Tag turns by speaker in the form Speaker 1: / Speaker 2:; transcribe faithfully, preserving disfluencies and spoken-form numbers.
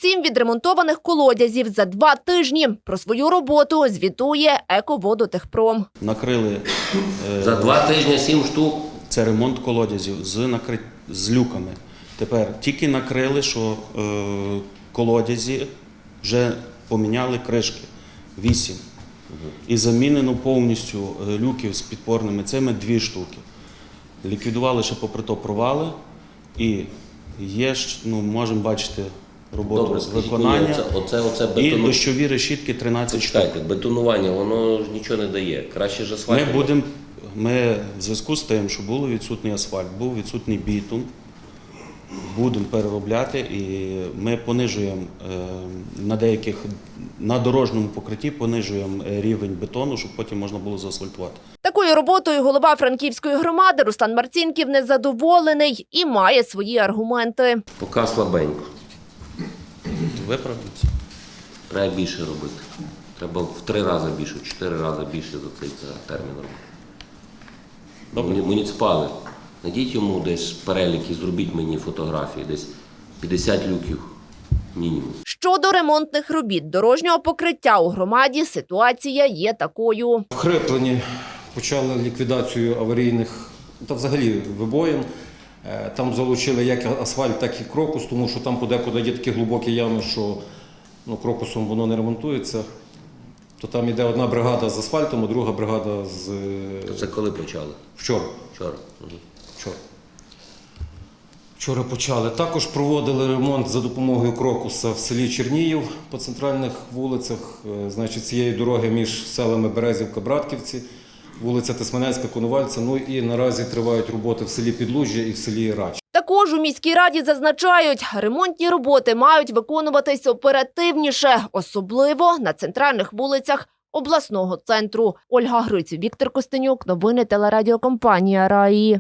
Speaker 1: сім відремонтованих колодязів за два тижні. Про свою роботу звітує «Еководотехпром».
Speaker 2: Накрили е,
Speaker 3: За два тижні сім штук.
Speaker 2: це ремонт колодязів з накри... з люками. Тепер тільки накрили, що е, колодязі вже поміняли кришки вісім. І замінено повністю люків з підпорними цими дві штуки. Ліквідували ще попри то провали і є, ну, можемо бачити роботу
Speaker 3: Добре,
Speaker 2: з
Speaker 3: скажіть
Speaker 2: виконання.
Speaker 3: мені, оце, оце, оце
Speaker 2: І
Speaker 3: бетону...
Speaker 2: дощові решітки тринадцять штук.
Speaker 3: Чекайте, бетонування, воно ж нічого не дає. Краще ж асфальт.
Speaker 2: Ми будемо, ми в зв'язку з тим, що був відсутній асфальт, був відсутній бітум, будемо переробляти і ми понижуємо е, на деяких, на дорожньому покритті понижуємо рівень бетону, щоб потім можна було заасфальтувати.
Speaker 1: Такою роботою голова Франківської громади Руслан Марцінків незадоволений і має свої аргументи.
Speaker 3: Поки слабенько.
Speaker 2: Виправимося.
Speaker 3: Треба більше робити. Треба в три рази більше, в чотири рази більше за цей термін робити.
Speaker 2: Добре.
Speaker 3: Муні- Муніципали, знайдіть йому десь перелік і зробіть мені фотографії, десь п'ятдесят люків мінімум.
Speaker 1: Щодо ремонтних робіт дорожнього покриття у громаді ситуація є такою.
Speaker 4: В Хриплені почали ліквідацію аварійних та взагалі вибоїн. Е, Там залучили як асфальт, так і крокус, тому що там подекуди є такі глибокі ями, що ну, крокусом воно не ремонтується. То там йде одна бригада з асфальтом, а друга бригада з
Speaker 3: То це коли почали?
Speaker 4: вчора.
Speaker 3: Вчора. Угу.
Speaker 4: Вчора. Вчора почали. Також проводили ремонт за допомогою крокуса в селі Черніїв по центральних вулицях. Е, Значить, цієї дороги між селами Березівка, Братківці, вулиця Тисменецька, Конувальця. Ну і наразі тривають роботи в селі Підлужжя і в селі Рач.
Speaker 1: Також у міській раді зазначають, ремонтні роботи мають виконуватись оперативніше, особливо на центральних вулицях обласного центру. Ольга Гриців, Віктор Костенюк, новини телерадіокомпанія «Раї».